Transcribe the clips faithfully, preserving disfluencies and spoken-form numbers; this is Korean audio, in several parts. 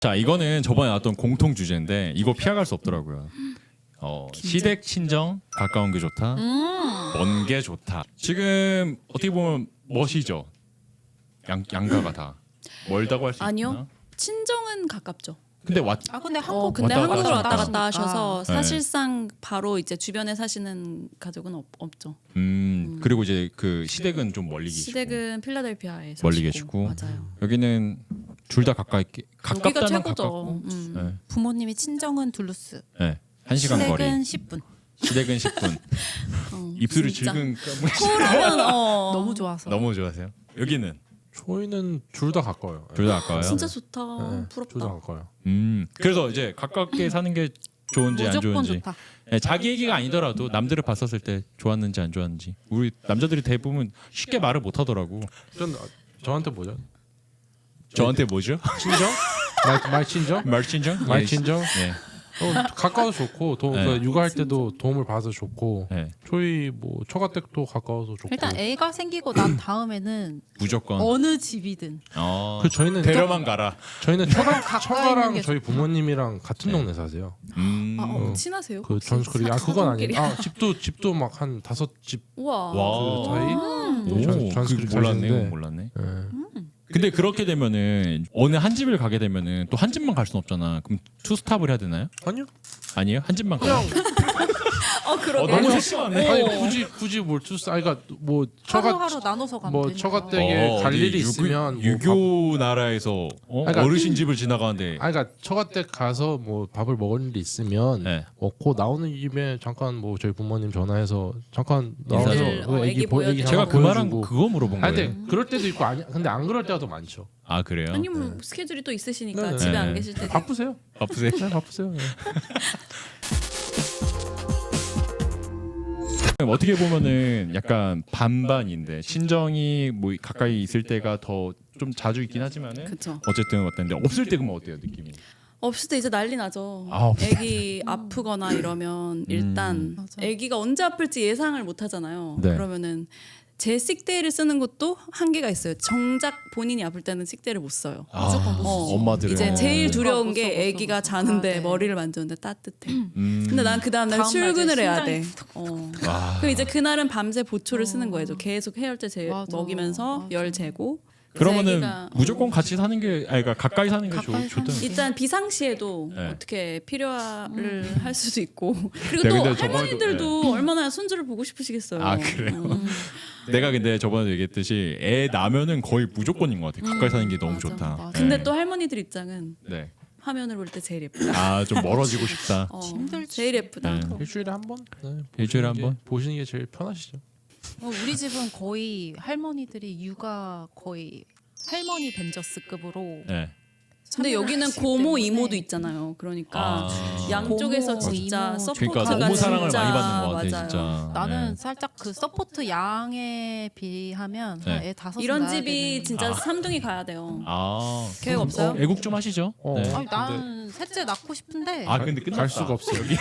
자, 이거는 저번에 나왔던 공통 주제인데 이거 피해갈 수 없더라고요. 어, 시댁 친정 가까운 게 좋다, 음. 먼 게 좋다. 지금 어떻게 보면 멋이죠. 양 양가가 다 멀다고 할 수 있나? 아니요. 친정은 가깝죠. 근데 왔 아 근데 어, 한국 근데 왔다 한국으로 갔다 왔다 갔다 하시니까. 하셔서 네. 사실상 바로 이제 주변에 사시는 가족은 없, 없죠. 음, 그리고 이제 그 시댁은 좀 멀리 계시고 시댁은 필라델피아에 멀리 사시고. 계시고. 맞아요. 여기는 둘 다 가까이 여기가 가깝다면 최고죠. 가깝고 음. 네. 부모님이 친정은 둘루스, 네. 한 시간 거리. 시댁은 십 분. 시댁은 십 분. 어, 입술이 진짜. 질끈 서울하면 어, 너무 좋아서. 너무 좋아하세요? 여기는 저희는 둘 다 가까워요. 둘 다 가까워요. 진짜 좋다. 네, 부럽다. 둘 다 가까워요. 음. 그래서 이제 가깝게 사는 게 좋은지 안 무조건 좋은지. 좋다. 네, 자기 얘기가 아니더라도 남들을 봤었을 때 좋았는지 안 좋았는지. 우리 남자들이 대부분 쉽게 말을 못 하더라고. 전 저한테 뭐죠? 저한테 뭐죠? 친정? 말, 말 친정? 말 친정? 말 예. 친정? 네. 어, 가까워서 좋고 도, 네. 그 육아할 때도 도움을 받아서 좋고 네. 저희 뭐 처가댁도 가까워서 좋고 일단 애가 생기고 난 다음에는 무조건. 어느 집이든 어. 그 저희는 데려만 가라. 저희는 처가 가까이 처가랑 있는 게 저희 좋다. 부모님이랑 같은 동네 사세요. 음. 아, 어, 어. 친하세요? 그 혹시? 전스크리 아 그건 사돈끼리? 아니에요. 아 집도 집도 막 한 다섯 집 우와. 와. 그 사이. 오, 네, 전- 전스크리 그거 몰랐네. 사시는데. 그거 몰랐네. 예. 근데 그렇게 되면은 어느 한 집을 가게 되면은 또 한 집만 갈 수는 없잖아. 그럼 투 스탑을 해야 되나요? 아니요. 아니에요? 한 집만 가요? 어, 그러게. 너무 세심하네. 아니 굳이 굳이 뭘 투스 아니 그러니까 뭐 처가 하루하루 나눠서 가면 뭐 되니까. 처가댁에 갈 어디 일이 유교- 있으면 뭐 유교 나라에서 어? 그러니까- 어르신 집을 지나가는데 아니 그러니까 처가댁 가서 뭐 밥을 먹을 일이 있으면 네. 먹고 나오는 김에 잠깐 뭐 저희 부모님 전화해서 잠깐 나와서 인사를, 그 어, 애기 애기 보 애기 보여주고. 제가 잠깐 그 말한 보여주고. 그거 물어본 아니 거예요. 근데 그럴 때도 있고 아니 근데 안 그럴 때가 더 많죠. 아 그래요? 아니면 스케줄이 또 있으시니까 네, 네. 집에 네. 안 계실 때 바쁘세요? 바쁘세요? 네 바쁘세요. 네. 어떻게 보면은 약간 반반인데 친정이 뭐 가까이 있을 때가 더 좀 자주 있긴 하지만은 그쵸. 어쨌든 어떤데 없을 때 그러면 어때요 느낌이? 없을 때 이제 난리 나죠. 아, 없을 때. 애기 아프거나 이러면 일단 맞아. 애기가 언제 아플지 예상을 못 하잖아요. 네. 그러면은 제 식대를 쓰는 것도 한계가 있어요. 정작 본인이 아플 때는 식대를 못 써요. 무조건 못 어, 쓰지. 엄마들은 이제 제일 어. 두려운 못 써, 게 못 써, 애기가 못 써. 자는데 아, 네. 머리를 만졌는데 따뜻해. 음. 근데 난 그 다음날 다음 날 출근을 이제 해야 돼. 심장이 어. 와. 그럼 이제 그날은 밤새 보초를 쓰는 거예요. 계속 해열제 제, 맞아. 먹이면서 맞아. 열 재고. 그러면은 애기가- 무조건 같이 사는 게 아니 그러니까 가까이 사는 게 좋, 가까이 좋다. 사는 게. 일단 비상시에도 네. 어떻게 필요를 음. 할 수도 있고 그리고 네, 또 근데 저번에도- 할머니들도 얼마나 손주를 보고 싶으시겠어요. 아, 그래요? 음. 내가 근데 저번에 얘기했듯이 애 낳으면은 거의 무조건인 것 같아. 가까이 사는 게 너무 맞아, 좋다. 맞아. 근데 네. 또 할머니들 입장은 네. 화면을 볼 때 제일 예쁘다. 아 좀 멀어지고 싶다. 어, 힘들지. 제일 예쁘다. 네. 일주일에 한 번? 네, 일주일에 보시는 한 게- 번? 보시는 게 제일 편하시죠. 어, 우리 집은 거의 할머니들이 육아 거의 할머니 벤저스급으로. 네. 근데 여기는 하시기 고모 때문에. 이모도 있잖아요. 그러니까 아. 양쪽에서 고모, 진짜 이모. 서포트가 그러니까 너무 사랑을 진짜 많이 받는 것 같아 맞아요. 진짜. 나는 네. 살짝 그 서포트 양에 비하면 네. 한 애 다섯 이런 낳아야 집이 되는. 진짜 아. 삼둥이 가야 돼요. 아 계획 그럼, 없어요? 어, 애국 좀 하시죠. 어. 네. 아니 나는 셋째 낳고 싶은데 아 근데 끝났다. 갈 수가 없어 여기.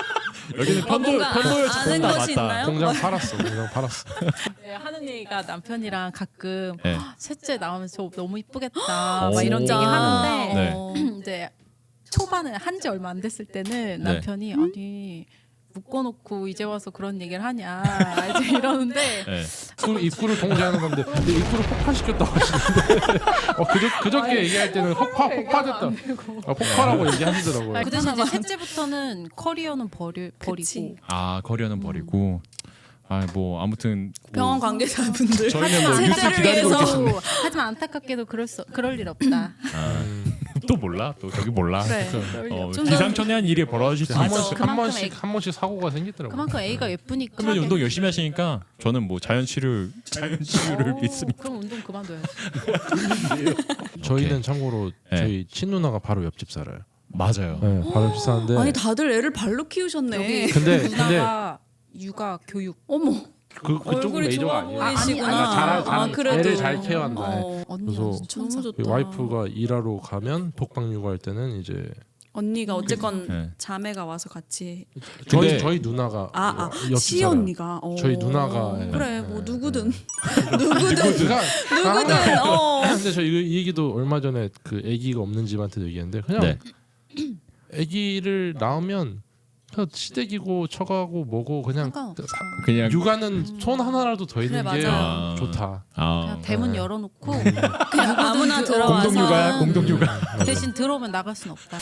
여기는 어, 편도 뭔가 편도에 아는 다 것이 맞다. 있나요? 공장 팔았어. 공장 팔았어. 네, 하는 얘기가 남편이랑 가끔 네. 셋째 나오면 저 너무 이쁘겠다 오. 막 이런 얘기 진짜? 하는데 네. 어. 이제 초반에 한 지 얼마 안 됐을 때는 네. 남편이 아니 묶어놓고 이제 와서 그런 얘기를 하냐 이제 이러는데 네. 입구를, 입구를 통제하는 건데 근데 입구를 폭파시켰다고 하시는데 어, 그저, 그저께 얘기할 때는 폭파, 폭파됐다. 아, 폭파라고 얘기하시더라고요. 그 대신 이제 셋째부터는 커리어는 버리, 버리고 그치. 아 커리어는 버리고. 아 뭐 아무튼 뭐 병원 관계자분들 저희는 뭐 뉴스 셋째를 기다리고 위해서 계십니다. 또 하지만 안타깝게도 그럴 수 그럴 일 없다. 또 몰라 또 저기 몰라. 그래. 어, 좀 더- 기상천외한 일이 벌어질 수 한 있어. 번씩 한 그만큼 번씩 애- 한 번씩 사고가 생기더라고요. 그만큼 A가 예쁘니까. 그러면 운동 열심히 하시니까 저는 뭐 자연 치료 자연 치유를 오, 믿습니다. 그럼 운동 그만둬야지. 저희는 참고로 네. 저희 친누나가 바로 옆집 살아요. 맞아요. 네, 바로 옆집 사는데 아니 다들 애를 발로 키우셨네. 여기 근데- 누나가 육아 교육 어머 그 그쪽 얼굴이 메이저가 좋아 아니에요. 보이시구나. 아, 잘, 잘, 아, 그래도. 애를 잘 케어한다. 어, 언니 그래서 완전 천사. 너무 좋다. 그 와이프가 일하러 가면 독박 육아할 때는 이제 언니가 어쨌건 네. 자매가 와서 같이 저희 근데- 저희 누나가 아, 아 옆집 시 살아요. 언니가 어. 저희 누나가, 예. 그래 예. 뭐 누구든 누구든 누구든 어. 근데 저 이 얘기도 얼마 전에 그 아기가 없는 집한테도 얘기했는데 그냥 네. 아기를 낳으면 그냥 시댁이고 처가고 뭐고 그냥 상관없어. 그냥 육아는 손 하나라도 더 있는 그래, 게 맞아요. 좋다. 아, 그냥 대문 네. 열어놓고 그냥 아무나 들어와서 공동육아야 공동육아. 대신 들어오면 나갈 순 없다.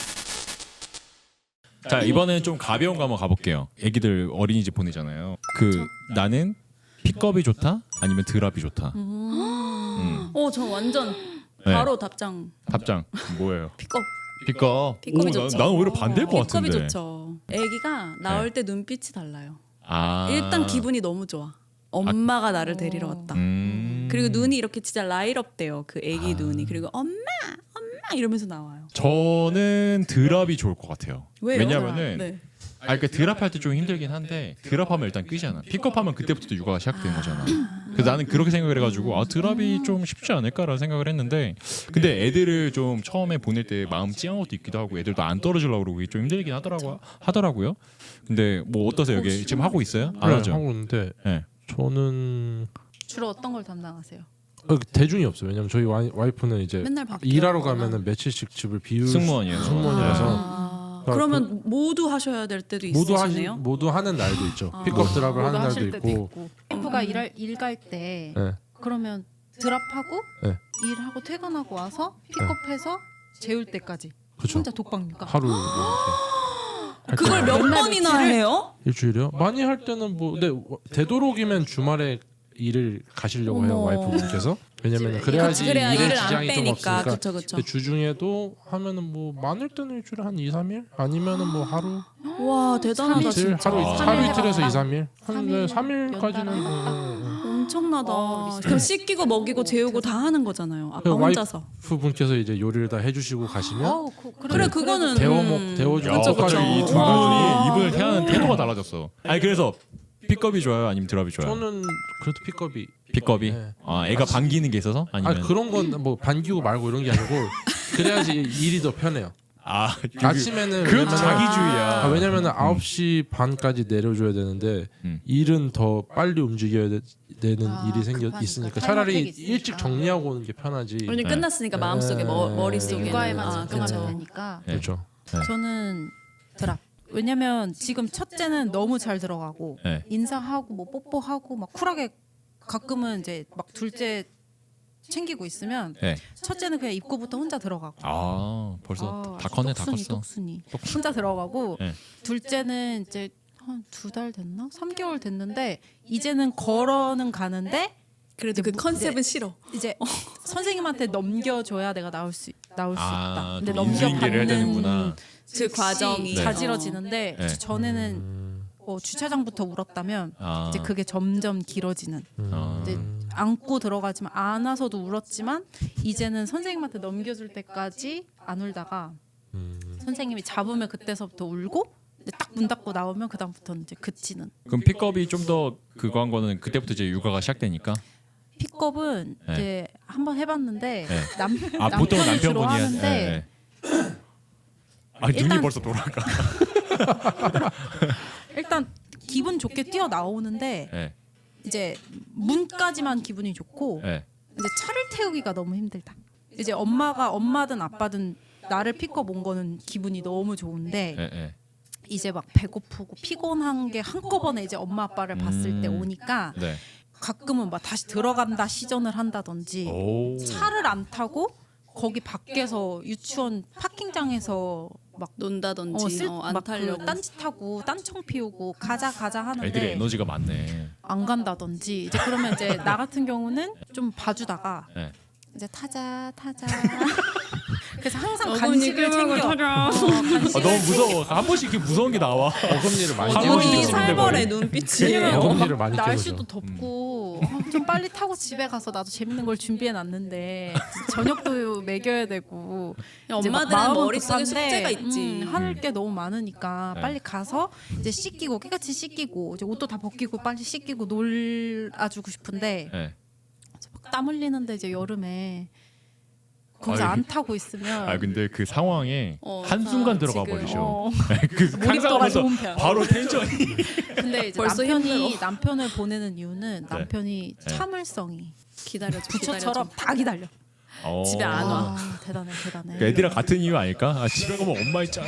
자 이번에는 좀 가벼운 거 한번 가볼게요. 애기들 어린이집 보내잖아요. 그 나는 픽업이 좋다 아니면 드랍이 좋다. 음. 어, 저 완전 네. 바로 답장. 답장 뭐예요? 픽업. 픽업. 픽업이 오, 좋죠. 나, 나는 오히려 반대일 것 픽업이 같은데. 좋죠. 아기가 나올 때 눈빛이 달라요. 아. 일단 기분이 너무 좋아. 엄마가 나를 데리러 왔다. 음. 그리고 눈이 이렇게 진짜 라이트업 돼요. 그 아기 아. 눈이. 그리고 엄마, 엄마 이러면서 나와요. 저는 드랍이 좋을 것 같아요. 왜요? 왜냐면은 네. 아 그러니까 드랍할 때 좀 힘들긴 한데 드랍하면 일단 끄잖아. 픽업하면 그때부터 육아가 시작된 거잖아. 그래서 나는 그렇게 생각을 해가지고 아 드랍이 좀 쉽지 않을까라는 생각을 했는데 근데 애들을 좀 처음에 보낼 때 마음 찡한 것도 있기도 하고 애들도 안 떨어지려고 그러고 이게 좀 힘들긴 하더라고 하더라고요. 근데 뭐 어떠세요? 여기 지금 하고 있어요? 안 네, 하죠? 하고 있는데 네. 저는 주로 어떤 걸 담당하세요? 어, 대중이 없어요. 왜냐면 저희 와이, 와이프는 이제 맨날 바뀌어. 일하러 가면은 며칠씩 집을 비울 승무원이에요. 승무원이라서 아, 그러니까 그러면 모두 하셔야 될 때도 모두 하시 있으시네요. 모두 하는 날도 있죠. 아. 픽업 드랍을 모두 하는 날도 하실 때도 있고. 와이프가 일할 일갈 때 네. 그러면 드랍하고 네. 일하고 퇴근하고 와서 픽업해서 재울 때까지 그렇죠. 혼자 독박니까. 하루 이렇게 할 그걸 때는 몇 맨날 번이나 며칠을- 해요? 일주일이요? 많이 할 때는 뭐 근데 되도록이면 주말에 일을 가시려고 해요. 어머. 와이프분께서. 왜냐면 집에. 그래야지 그치, 그래야 일에 일을 안 지장이 좀 빼니까. 없으니까. 그쵸 그쵸. 근데 주중에도 하면은 뭐 많을 때는 일주일에 한 이, 삼 일 아니면은 뭐 하루 와 대단하다 이틀 진짜. 하루 아. 하루 이틀에서 해봤다. 이, 삼 일. 삼 한 일 삼 일까지는 연달아 엄청나다. 어, 리스펙. 그럼 씻기고 먹이고 재우고 다 하는 거잖아요. 아빠 그 와이프- 혼자서. 부분께서 이제 요리를 다 해주시고 가시면 어우, 그, 그래 그거는 데워 음. 먹 데워주고 야, 그쵸, 그쵸. 갑자기 이두 와. 분이 이분을 대하는 태도가 달라졌어. 아니 그래서 픽업이 좋아요, 아니면 드랍이 좋아요? 저는 그래도 픽업이 픽업이. 네. 아 애가 반기는 게 있어서 아 아니면 그런 건 뭐 반기고 말고 이런 게 아니고 그래야지 일이 더 편해요. 아 아침에는 그 왜냐면은- 자기주의야. 아, 왜냐면은 아홉 시 반까지 내려줘야 되는데 음. 일은 더 빨리 움직여야 되, 는 아, 일이 생겨 급하니까. 있으니까 타임어택이 차라리 있으니까. 일찍 정리하고 오는 게 편하지. 왜냐면 네. 끝났으니까 마음속에 머, 네. 머릿속에는 육아에만 아, 집중하면 그쵸. 되니까. 네. 그렇죠. 저는 드랍. 왜냐면 지금 첫째는 너무 잘 들어가고 네. 인사하고 뭐 뽀뽀하고 막 쿨하게 가끔은 이제 막 둘째 챙기고 있으면 네. 첫째는 그냥 입구부터 혼자 들어가고. 아 벌써 아, 다 컸네 다 똑순이, 컸어. 똑순이. 혼자 들어가고 네. 둘째는 이제 한 두 달 됐나? 삼 개월 됐는데 이제는 걸어는 가는데 그래도 그 뭐- 컨셉은 싫어. 이제 선생님한테 넘겨줘야 내가 나올 수 나올 수 아, 있다. 근데 또 인수인계를 해야 넘겨받는 되는구나. 그 과정이 자지러지는데 네. 전에는 음, 어, 주차장부터 울었다면 아, 이제 그게 점점 길어지는. 음. 아. 이제 안고 들어가지만 안아서도 울었지만 이제는 선생님한테 넘겨줄 때까지 안 울다가 음. 선생님이 잡으면 그때서부터 울고 딱 문 닫고 나오면 그 다음부터는 이제 그치는. 그럼 픽업이 좀 더 그거 한 거는 그때부터 이제 육아가 시작되니까. 픽업은 네. 이제 한번 해봤는데 네. 남 아 보통 남편이 주로 남편분이 한- 하는데 네, 네. 아 눈이 일단- 벌써 돌아가. 일단 기분 좋게 뛰어 나오는데 네. 이제 문까지만 기분이 좋고 네. 이제 차를 태우기가 너무 힘들다. 이제 엄마가 엄마든 아빠든 나를 픽업 온 거는 기분이 너무 좋은데 네. 네. 이제 막 배고프고 피곤한 게 한꺼번에 이제 엄마 아빠를 봤을 때 음. 오니까 네. 가끔은 막 다시 들어간다 시전을 한다든지 오. 차를 안 타고 거기 밖에서 유치원 파킹장에서 막 논다든지 어, 쓸, 어, 안 막 타려고. 그 딴짓하고 딴청 피우고 가자 가자 하는데 애들이 에너지가 많네. 안 간다든지 이제 그러면 이제 나 같은 경우는 좀 봐주다가 네. 이제 타자 타자 그래서 항상 어머니 간식을 끌고 챙겨 타자. 어, 간식을 아, 너무 무서워. 한 번씩 이렇게 무서운 게 나와. 어금니를 많이 어머니 어머니 깨우시는데 깨우죠. 살벌의 머리. 눈빛이. 왜냐면 어금니를 막 많이 날씨도 깨우죠. 덥고 어, 좀 빨리 타고 집에 가서 나도 재밌는 걸 준비해 놨는데 저녁도 먹여야 되고 이제 막 엄마들은 마음은 머릿속에 급한데, 숙제가 있지. 음, 할 게 너무 많으니까 네. 빨리 가서 이제 씻기고 깨끗이 씻기고 이제 옷도 다 벗기고 빨리 씻기고 놀아주고 싶은데 네. 막 땀 흘리는데 이제 여름에 거기서 아유, 안 타고 있으면 아 근데 그 상황에 어, 한 순간 아, 들어가 지금, 버리셔. 어, 그 몰입도가 상상하면서 좋은 편. 바로 텐션이. 근데 이제 벌써 남편이 힘들어. 남편을 보내는 이유는 네. 남편이 네. 참을성이 기다려줘. 부처처럼 기다려줘. 다 기다려. 어. 집에 안 와. 아, 대단해 대단해. 그 애들이랑 같은 이유 아닐까? 아, 집에 가면 엄마 있잖아.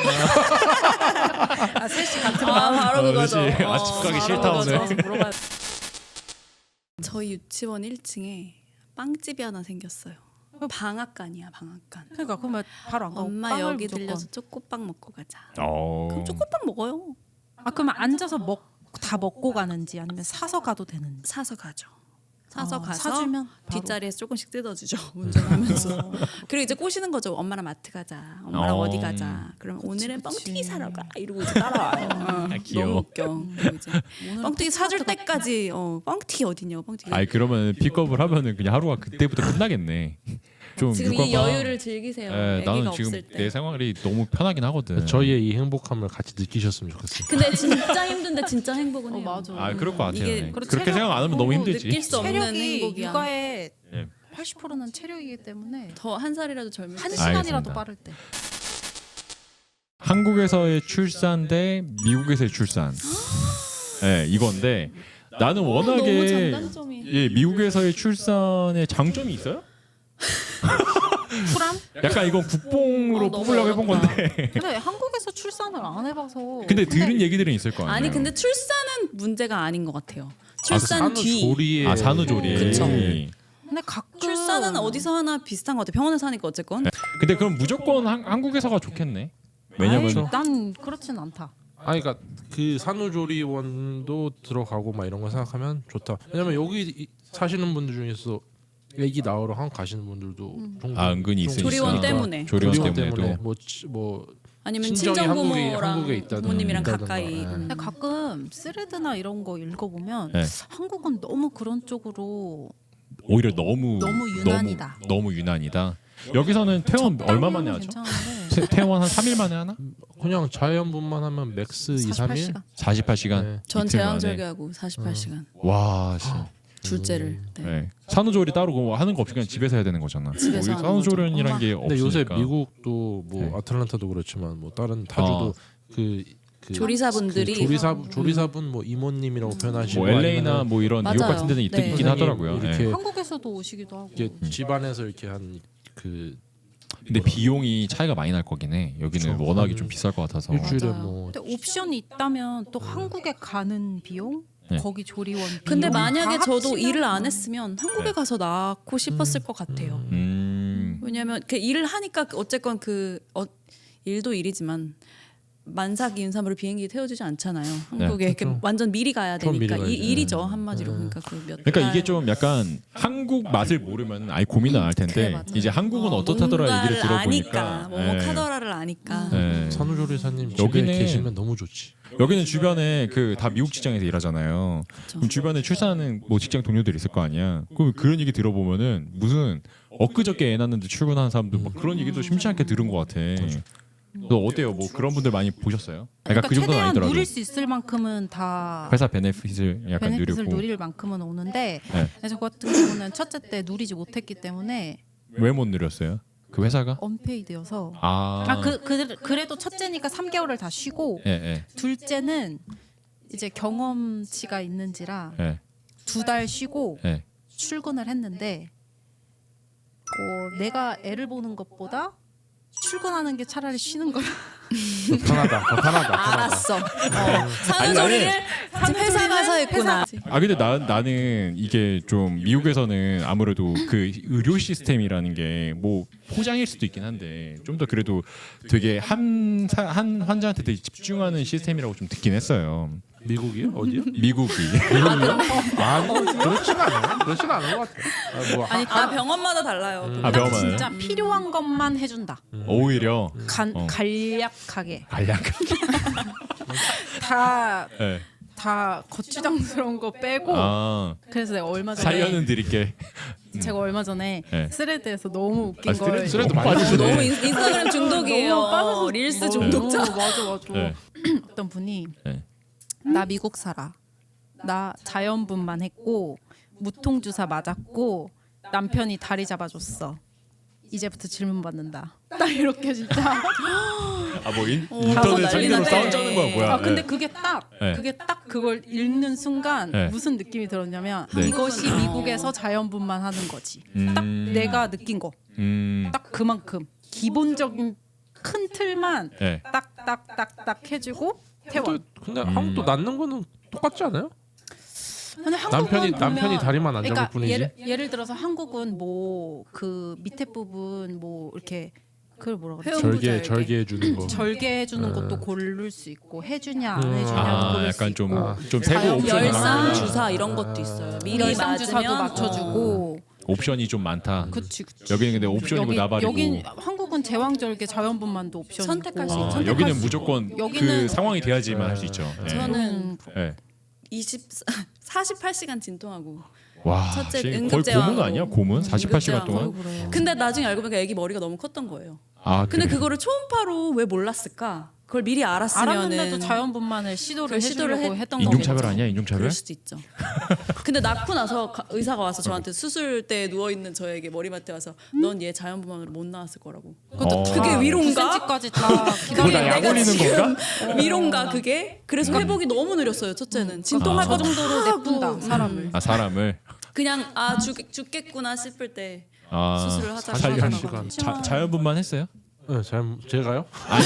아 셋이 같은 아, 마음. 바로 어, 그거죠. 그렇지. 아, 어, 집 가기 바로 싫다, 그거죠. 오늘. 가서 물어봐야 돼. 저희 유치원 일 층에 빵집이 하나 생겼어요. 방앗간이야 방앗간. 그러니까 그러면 바로 안 가고 엄마 빵을 여기 무조건. 들려서 초코빵 먹고 가자. 어. 그럼 초코빵 먹어요. 아 그러면 앉아서 먹 다 먹고 가는지 아니면 사서 가도 되는지. 사서 가죠. 사서 아, 가서 사주면 바로. 뒷자리에서 조금씩 뜯어주죠. 운전하면서. 그리고 이제 꼬시는 거죠. 엄마랑 마트 가자. 엄마랑 어. 어. 디 가자. 그러면 오늘은 그치. 뻥튀기 사러 가. 이러고 이제 따라와요. 어, 아, 귀여워. 너무 웃겨. 그리고 이제 오늘은 뻥튀기 사줄 토마토가- 때까지 어, 뻥튀기 어디냐고 뻥튀기. 아이 그러면 픽업을 하면은 그냥 하루가 그때부터 끝나겠네. 좀 지금 이 육아가- 여유를 즐기세요. 예, 아기가 나는 지금 없을 때. 내 생활이 너무 편하긴 하거든. 저희의 이 행복함을 같이 느끼셨으면 좋겠어요. 근데 진짜 힘든데 진짜 행복은 어 해요. 맞아. 아 그럴 것 같아요. 이게 네. 그리고 그렇게 체력 생각 안 하면 너무 보고 힘들지. 느낄 수 없는 체력이 행복이야. 육아의 예. 팔십 퍼센트는 체력이기 때문에 더 한 살이라도 젊을 한 때. 시간이라도 알겠습니다. 빠를 때. 한국에서의 출산 대 미국에서의 출산. 네, 이건데 나는 너무 워낙에 장단점이. 예, 미국에서의 출산의 장점이 있어요? 쿨함? 약간 이건 국뽕으로 어, 너무 뽑으려고 해본 어렵다. 건데. 근데 한국에서 출산을 안 해봐서. 근데 들은 얘기들은 있을 거 아니에요. 아니 근데 출산은 문제가 아닌 것 같아요. 출산 산후 뒤. 조리에 아 산후조리. 그쵸. 근데 가끔 출산은 어디서 하나 비슷한 것 같아. 병원에서 하니까 어쨌건. 근데 그럼 무조건 한, 한국에서가 좋겠네. 왜냐면 아이, 난 그렇진 않다. 아니 그러니까 그 산후조리원도 들어가고 막 이런 거 생각하면 좋다. 왜냐면 여기 이- 사시는 분들 중에서 애기 낳으러 한국 가시는 분들도 종종- 아 은근히 종종 있으니까. 조리원 때문에. 조리원, 조리원 때문에도. 때문에 뭐, 치- 뭐 아니면 친정이 한국에- 친정부모랑 한국에 있다든 부모님이랑 있다든가. 가까이. 네. 음. 근데 가끔 스레드나 이런 거 읽어보면 네. 한국은 너무 그런 쪽으로 오히려 너무 너무 유난이다. 너무, 너무 유난이다. 여기서는 퇴원 얼마 만에 하죠? 괜찮은데 태- 퇴원 한 삼 일 만에 하나? 그냥 자연분만 하면 맥스 이, 삼 일. 사십팔 시간. 사십팔 시간. 네. 전 이틀 만에. 제왕절개하고 사십팔 시간. 와, 씨. 둘째를. 네. 네. 산후조리 따로 그거 하는 거 없이 그냥 집에서 해야 되는 거잖아. 집에서 여기 하는 산후조리원이란 거죠. 게 근데 없으니까. 요새 미국도 뭐 네. 아틀란타도 그렇지만 뭐 다른 타주도 어. 그, 그 조리사분들이 그 조리사 조리사분 뭐 이모님이라고 표현하시고 뭐 엘에이나 아니면은 뭐 이런 맞아요. 뉴욕 같은 데는 있, 네. 있긴 하더라고요. 이렇게 네. 한국에서도 오시기도 하고. 이게 집안에서 이렇게 한 그 근데 비용이 차이가 많이 날 거긴 해. 여기는 그쵸. 워낙에 한 좀 비쌀 것 같아서. 일주일에 맞아요. 뭐 근데 옵션이 있다면 또 한국에 가는 비용, 네. 거기 조리원 비용. 근데 만약에 다 저도 합치면 일을 안 했으면 한국에 네. 가서 낳고 싶었을 것 같아요. 음. 왜냐하면 그 일을 하니까 어쨌건 그 어, 일도 일이지만 만삭 인삼으로 비행기 태워주지 않잖아요. 한국에 이렇게 그렇죠. 완전 미리 가야 좀 미리 되니까 이, 가야지. 일이죠 한마디로. 네. 그러니까 그몇 그러니까 이게 좀 약간 한국 맛을 모르면 아예 고민은 안 할 텐데 그래, 맞아요. 이제 한국은 어, 어떻다더라 얘기를 뭔가를 들어보니까 아니까 뭐뭐카더라를 아니까. 네. 산후조리사님 집에 여기는- 계시면 너무 좋지. 여기는 주변에 그 다 미국 직장에서 일하잖아요. 그럼 주변에 출산하는 뭐 직장 동료들 있을 거 아니야. 그럼 그런 얘기 들어보면은 무슨 엊그저께 애 낳는데 출근하는 사람들 막 그런 얘기도 심치 않게 들은 것 같아. 너 어때요? 뭐 그런 분들 많이 보셨어요? 그러니까 약간 그 정도는 최대한 아니더라도 누릴 수 있을 만큼은 다 회사 베네핏을 약간 베네핏을 누리고 누릴 만큼은 오는데 네. 저 같은 경우는 첫째 때 누리지 못했기 때문에 왜 못 누렸어요? 그 회사가? 언페이드여서 아, 아 그 그, 그래도 첫째니까 삼 개월을 다 쉬고 예, 예, 둘째는 이제 경험치가 있는지라 예, 두 달 쉬고 예. 출근을 했는데 어, 내가 애를 보는 것보다 출근하는 게 차라리 쉬는 거야. 더 편하다. 더 편하다. 편하다. 알았어. 어, 산후조리를 지금 회사 가서 했구나. 아 근데 나 나는 이게 좀 미국에서는 아무래도 그 의료 시스템이라는 게 뭐 포장일 수도 있긴 한데 좀 더 그래도 되게 한 한 환자한테 되게 집중하는 시스템이라고 좀 듣긴 했어요. 미국이요? 어디요? 미국이. 아니 그렇진 않아요. 그렇진 않은 것 같아요. 아, 뭐 아니 다 병원마다 달라요. 아 딱 병원은 진짜 필요한 것만 해준다. 오히려 간, 어. 간략하게 알약. 다 예. 다 거추장스러운 거 빼고 아 그래서 내가 얼마 전에 사연은 드릴게. 제가 얼마 전에 네. 스레드에서 너무 웃긴 아, 걸 스트레스 스트레스 너무 많이 빠지시네. 너무 인, 인스타그램 중독이에요. 너무 빠져서 릴스 너무- 중독자. 맞아 맞아. 네. 어떤 분이 네. 나 미국 살아. 나 자연분만 했고 무통주사 맞았고 남편이 다리 잡아줬어. 이제부터 질문 받는다. 딱 이렇게 진짜. 아뭐 어, 인터넷 가서 상대로 난리 싸움 났네. 짜는 거야 뭐야? 아 근데 네. 그게 딱 네. 그게 딱 그걸 읽는 순간 네. 무슨 느낌이 들었냐면 네. 이것이 미국에서 자연분만 하는 거지. 딱 음, 내가 느낀 거. 음, 딱 그만큼 기본적인 큰 틀만 네. 딱딱딱딱 해주고 태워. 근데, 근데 음. 한국도 낳는 거는 똑같지 않아요? 근데 한국은 남편이 보면- 남편이 다리만 안 잡을 그러니까 뿐이지. 예를, 예를 들어서 한국은 뭐 그 밑에 부분 뭐 이렇게 그걸 뭐라 그러지? 회원- 절개 절개. 절개해 주는 거. 절개해 주는 음. 것도 고를 수 있고 해주냐 안 음. 해주냐 아 고를 수 약간 있고 좀 좀 세부 자연- 옵션이 열상 많구나. 주사 이런 것도 있어요. 미리 열상 주사도 맞으면 맞춰주고 옵션이 좀 많다. 그치 그치. 여기는 근데 옵션이고 여기, 나발이고. 여긴 한국은 제왕절개 자연분만도 옵션이고 선택할 수 아, 있죠. 선택할 여기는 수 무조건 그 여기는- 상황이 돼야지만 할 수 있죠. 네. 저는 네. 이십 사십팔 시간 진통하고 와, 첫째 씨, 거의 응급제왕으로. 고문 아니야? 고문? 사십팔 시간 응급제왕으로. 동안? 근데 나중에 알고 보니까 애기 머리가 너무 컸던 거예요. 아, 근데 그래. 그거를 초음파로 왜 몰랐을까? 그걸 미리 알았으면은 알았는데도 자연분만을 시도를 그걸 시도를 해주려고 했- 했던 인종차별 거겠죠. 아니야? 인종차별? 그럴 수도 있죠. 근데 낳고 나서 가- 의사가 와서 저한테 수술대에 누워 있는 저에게 머리맡에 와서 넌 얘 자연분만으로 못 나왔을 거라고. 어. 그게 위로인가? 구 센티미터까지 다 그거 다 기다려. 약 내가 올리는 지금 건가? 위로인가 그게? 그래서 회복이 너무 느렸어요. 첫째는 진통할 아. 거 그 정도로 냅둔다 하고, 사람을. 음. 아, 사람을 그냥 아 죽, 죽겠구나 싶을 때 아, 수술을 하자고 살려 하더라고요. 시간. 자, 자연분만 했어요? 네, 잘 제가요?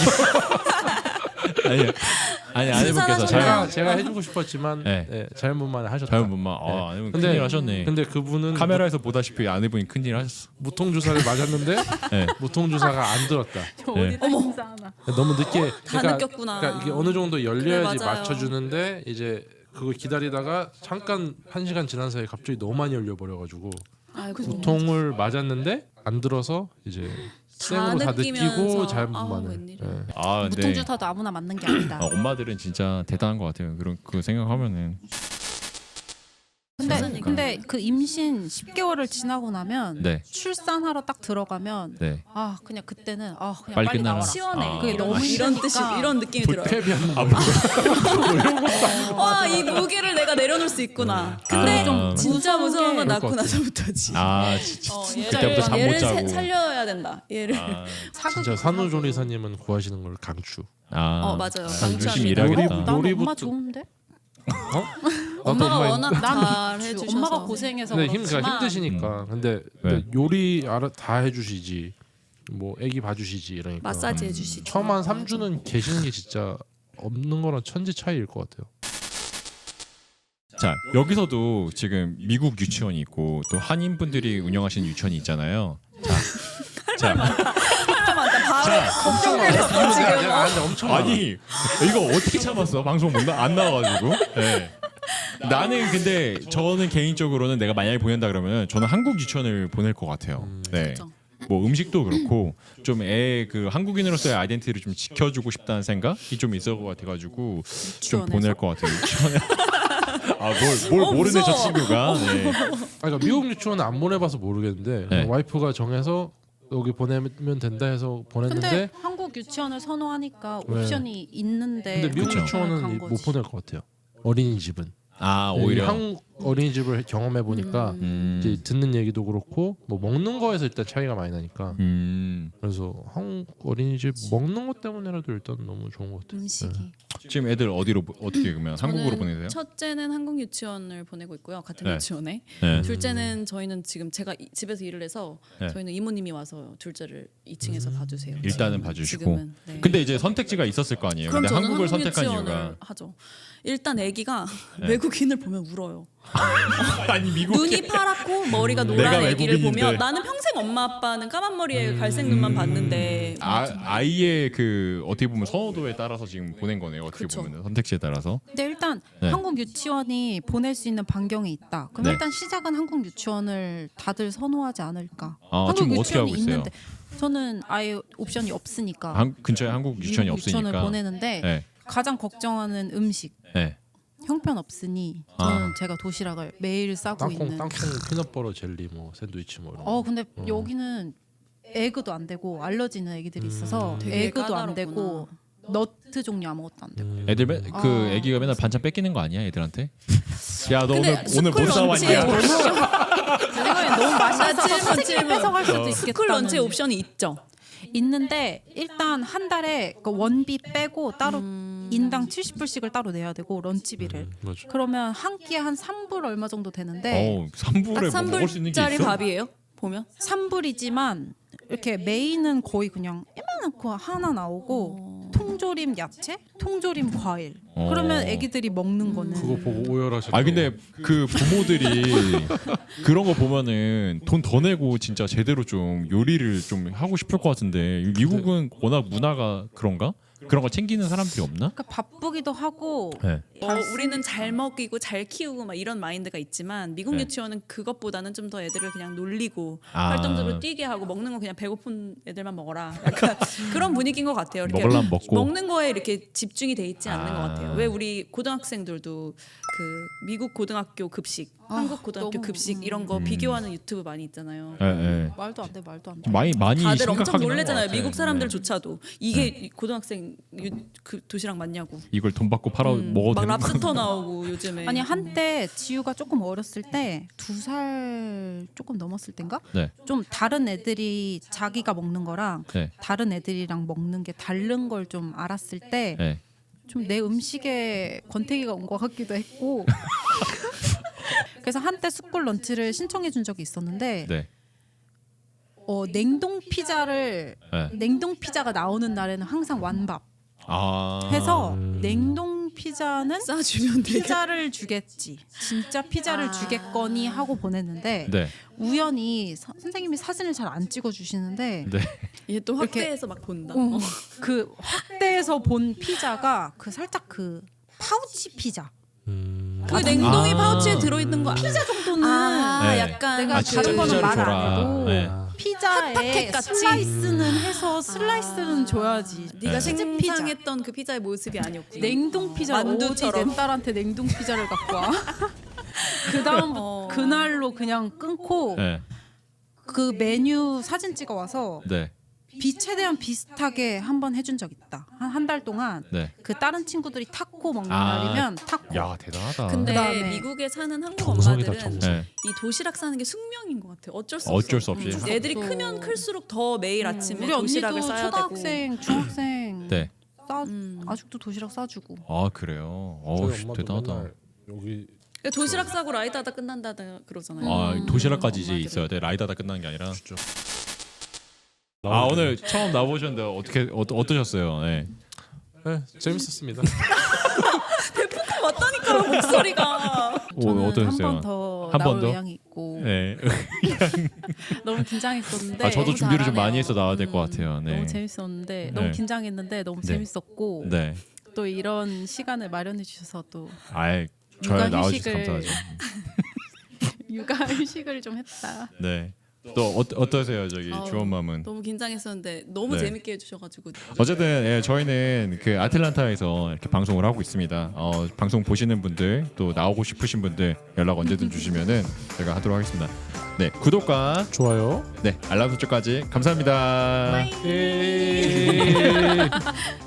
아니, 아니 아내분께서 수산하셨나요? 자연 제가 제가 해주고 싶었지만 네. 네, 자연분만 하셨다. 자연분만. 네. 아, 아내분 근데- 큰일 하셨네. 근데 그분은 카메라에서 보다시피 아내분이 큰일 하셨어. 무통 주사를 맞았는데 네. 무통 주사가 안 들었다. 어디다 인사하나. 너무 늦게. 다 느꼈구나. 그러니까 이게 어느 정도 열려야지 그래, 맞아요. 맞춰주는데 이제 그거 기다리다가 잠깐 한 시간 지난 사이에 갑자기 너무 많이 열려 버려가지고 아이고. 무통을 맞았는데 안 들어서 이제 생으로 다 느끼면서, 느끼고 아우, 자연분만을. 웬일이야. 네. 아, 근데 무통주사도 아무나 맞는 게 아니다. 아, 엄마들은 진짜 대단한 것 같아요. 그런 그 생각하면은 근데 세상에. 근데 그 임신 십 개월을 지나고 나면 네, 출산하러 딱 들어가면 네. 아 그냥 그때는 아 그냥 빨리 빨리, 끝나라. 나와라. 시원해. 아. 그게 너무 이런 힘드니까. 뜻이 이런 느낌이 들어요. 불쾌비한 아, 와 이 무게를 내가 내려놓을 수 있구나. 근데 아. 좀 진짜 무서운 건 그럴 낳고 것 같아. 나서부터지. 아, 진짜. 어, 그때부터 잠 못 얘를 자고. 세- 살려야 된다. 얘를. 아, 사극 진짜 산후조리사님은 구하시는 걸 강추. 아, 어, 맞아요. 열심히 강추합니다. 일하겠다. 난 놀이부터- 엄마 좋은데? 엄마가 엄마 워낙 난 잘 좋지. 해주셔서. 엄마가 고생해서 근데 힘, 그렇지만 그러니까 힘드시니까. 근데, 네. 근데 요리 알아 다 해주시지. 뭐 애기 봐주시지 이러니까. 마사지 해주시죠. 처음 한 삼 주는 계시는 게 진짜 없는 거랑 천지 차이일 것 같아요. 자, 여기서도 지금 미국 유치원이 있고 또 한인 분들이 운영하시는 유치원이 있잖아요. 자, 자, 걱정을 했어 지금. 아, 근데 엄청 많아. 아니 이거 어떻게 참았어? 방송 못 나, 안 나와가지고. 네. 나는 근데 저는 개인적으로는 내가 만약에 보낸다 그러면 저는 한국 유치원을 보낼 것 같아요. 네. 그렇죠. 뭐 음식도 그렇고 좀 애 그 한국인으로서의 아이덴티티를 좀 지켜주고 싶다는 생각이 좀 있을 것 같아가지고 좀 유치원에서? 보낼 것 같아요. 유치원에. 아뭘 뭘 어, 모르네 저 무서워. 친구가. 네. 아, 그러니까 미국 유치원은 안 보내봐서 모르겠는데 네. 와이프가 정해서 여기 보내면 된다 해서 보냈는데 근데 한국 유치원을 선호하니까 네. 옵션이 있는데 근데 미국 그쵸. 유치원은 간 이- 거지. 못 보낼 것 같아요. 어린이집은 아 이 오히려. 한국 어린이집을 경험해 보니까 음. 이제 듣는 얘기도 그렇고 뭐 먹는 거에서 일단 차이가 많이 나니까 음. 그래서 한국 어린이집 먹는 것 때문에라도 일단 너무 좋은 것 같아요. 음식이. 지금 애들 어디로 보- 어떻게 그러면 한국으로 저는 보내세요? 첫째는 한국 유치원을 보내고 있고요. 같은 네. 유치원에. 네. 둘째는 저희는 지금 제가 이- 집에서 일을 해서 네. 저희는 이모님이 와서 둘째를 이 층에서 봐주세요. 일단은 지금- 봐주시고. 지금은, 네. 근데 이제 선택지가 있었을 거 아니에요. 그럼 근데 저는 한국을 한국 선택한 유치원을 이유가 하죠. 일단 아기가 네. 외국인을 보면 울어요. 아니 미국 눈이 파랗고 머리가 내가 노란 아기를 외국인인데. 보면 나는 평생 엄마 아빠는 까만 머리에 갈색 눈만 봤는데 아, 아이의 그 어떻게 보면 선호도에 따라서 지금 보낸 거네요. 어떻게 그쵸. 보면 선택지에 따라서. 근데 일단 네. 한국 유치원이 보낼 수 있는 반경이 있다. 그럼 네. 일단 시작은 한국 유치원을 다들 선호하지 않을까. 아, 한국 지금 어떻게 하고 유치원이 있어요? 있는데 저는 아예 옵션이 없으니까 한, 근처에 한국 유치원이 미국 유치원을 없으니까. 보내는데 네. 가장 걱정하는 음식 네. 형편 없으니 아. 저는 제가 도시락을 매일 싸고 땅콩 있는. 땅콩 피넛버터 젤리 뭐 샌드위치 뭐 이런 거. 어 근데 여기는 에그도 안 되고 알러지는 애기들이 있어서 음. 되게 에그도 안 까다롭구나. 되고 너트 종류 아무것도 안 되고. 음. 애들 맨, 그 아. 애기가 맨날 반찬 뺏기는 거 아니야 애들한테? 야 너 근데 오늘 오늘 뭐 스쿨 사왔냐? 런치에 제 생각엔 너무 맛있어서 질문, 선생님이 질문. 뺏어갈 수도 어. 있겠다. 스쿨 런치 옵션이 있죠. 있는데 일단 한 달에 그 원비 빼고 따로 음. 인당 칠십 불씩을 따로 내야 되고 런치비를. 음, 맞아. 그러면 한 끼에 한 삼 불 얼마 정도 되는데 어, 삼 불에 딱 뭐 먹을 수 있는 게 삼 불짜리 있어? 밥이에요. 보면 삼 불이지만 이렇게 메인은 거의 그냥 이만한 거 하나 나오고 통조림 야채, 통조림 과일. 어. 그러면 애기들이 먹는 거는 그거 보고 오열하셨죠. 아 근데 그 부모들이 그런 거 보면은 돈 더 내고 진짜 제대로 좀 요리를 좀 하고 싶을 것 같은데 미국은 워낙 문화가 그런가? 그런 거 챙기는 사람들이 없나? 그러니까 바쁘기도 하고 네. 어, 우리는 잘 먹이고 잘 키우고 막 이런 마인드가 있지만 미국 네. 유치원은 그것보다는 좀 더 애들을 그냥 놀리고 아. 활동적으로 뛰게 하고 먹는 거 그냥 배고픈 애들만 먹어라. 약간 그런 분위기인 것 같아요. 이렇게 먹으려면 먹고. 먹는 거에 이렇게 집중이 돼 있지 않는 아. 것 같아요. 왜 우리 고등학생들도 그 미국 고등학교 급식, 아, 한국 고등학교 너무, 급식 음. 이런 거 음. 비교하는 유튜브 많이 있잖아요. 예, 예. 말도 안 돼, 말도 안 돼. 많이 많이 다들 엄청 심각하긴 한것 놀래잖아요. 같아. 미국 네. 사람들조차도 이게 고등학생 유, 그 도시락 맞냐고. 이걸 돈 받고 팔아 음, 먹어도 막 되는 거? 랍스터 나오고 요즘에. 아니 한때 지우가 조금 어렸을 때 두 살 조금 넘었을 땐가? 네. 좀 다른 애들이 자기가 먹는 거랑 네. 다른 애들이랑 먹는 게 다른 걸 좀 알았을 때 좀 내 네. 음식에 권태기가 온 것 같기도 했고 그래서 한때 스쿨 런치를 신청해 준 적이 있었는데 네. 어, 냉동 피자를 네. 냉동 피자가 나오는 날에는 항상 완밥 아. 해서 음. 냉동 피자는 싸주면 되게. 피자를 주겠지 진짜 피자를 아. 주겠거니 하고 보냈는데 네. 우연히 서, 선생님이 사진을 잘 안 찍어 주시는데 네. 얘 또 이렇게- 확대해서 막 본다. 어, 그 확대에서 본 피자가 그 살짝 그 파우치 피자 음. 그 냉동이 아. 파우치에 들어있는 거 피자 정도는 아, 네. 약간 내가 아, 진짜 다른 거는 피자를 말 안 줘라. 해도 네. 피자에 핫팩 같이? 슬라이스는 해서 슬라이스는 줘야지. 네가 네. 치즈 피자. 상상했던 그 피자의 모습이 아니었구나. 냉동 피자 어디 만두처럼. 내 딸한테 냉동 피자를 갖고 와. 그 다음 어. 그날로 그냥 끊고 네. 그 메뉴 사진 찍어 와서 네. 비 최대한 비슷하게 한번 해준 적 있다. 한 한 달 동안 네. 그 다른 친구들이 타코 먹는 아. 날이면 타코. 야, 대단하다. 근데 그다음에 미국에 사는 한국 정성이다, 엄마들은 정성. 네. 이 도시락 사는 게 숙명인 것 같아. 어쩔 수 어쩔 없어. 수 없이. 음, 애들이 없어. 크면 클수록 더 매일 아침에 우리 언니도 도시락을 싸야 초등학생, 중학생 네. 싸 음. 아직도 도시락 싸주고. 아, 그래요. 어, 저희 엄마도 대단하다. 맨날 여기 되고. 도시락 싸고 라이드하다 끝난다 그러잖아요. 아, 음. 도시락까지 이제 엄마들은. 있어야 돼. 라이다다 끝나는 게 아니라. 진짜. 아, 오늘 처음 나오셨는데 어떻게 어, 어떠셨어요? 네. 네, 재밌었습니다. 맞다니까요 목소리가. 오, 저는 어떠셨어요? 한 번 더 한번 나올 더? 의향이 있고 네. 너무 긴장했었는데 아, 저도 너무 준비를 좀 잘하네요. 많이 해서 나와야 될 것 음, 같아요. 네. 너무 재밌었는데 네. 너무 긴장했는데 너무 네. 재밌었고 네. 또 이런 시간을 마련해 주셔서 또 아이, 저야 육아 나와주셔서 휴식을- 감사하죠. 육아 휴식을 좀 했다. 네. 또 어, 어떠세요, 저기 아우, 주원맘은? 너무 긴장했었는데 너무 네. 재밌게 해주셔가지고. 어쨌든 예, 저희는 그 아틀란타에서 이렇게 방송을 하고 있습니다. 어, 방송 보시는 분들 또 나오고 싶으신 분들 연락 언제든 주시면은 제가 하도록 하겠습니다. 네, 구독과 좋아요. 네 알람 설정까지 감사합니다. 예.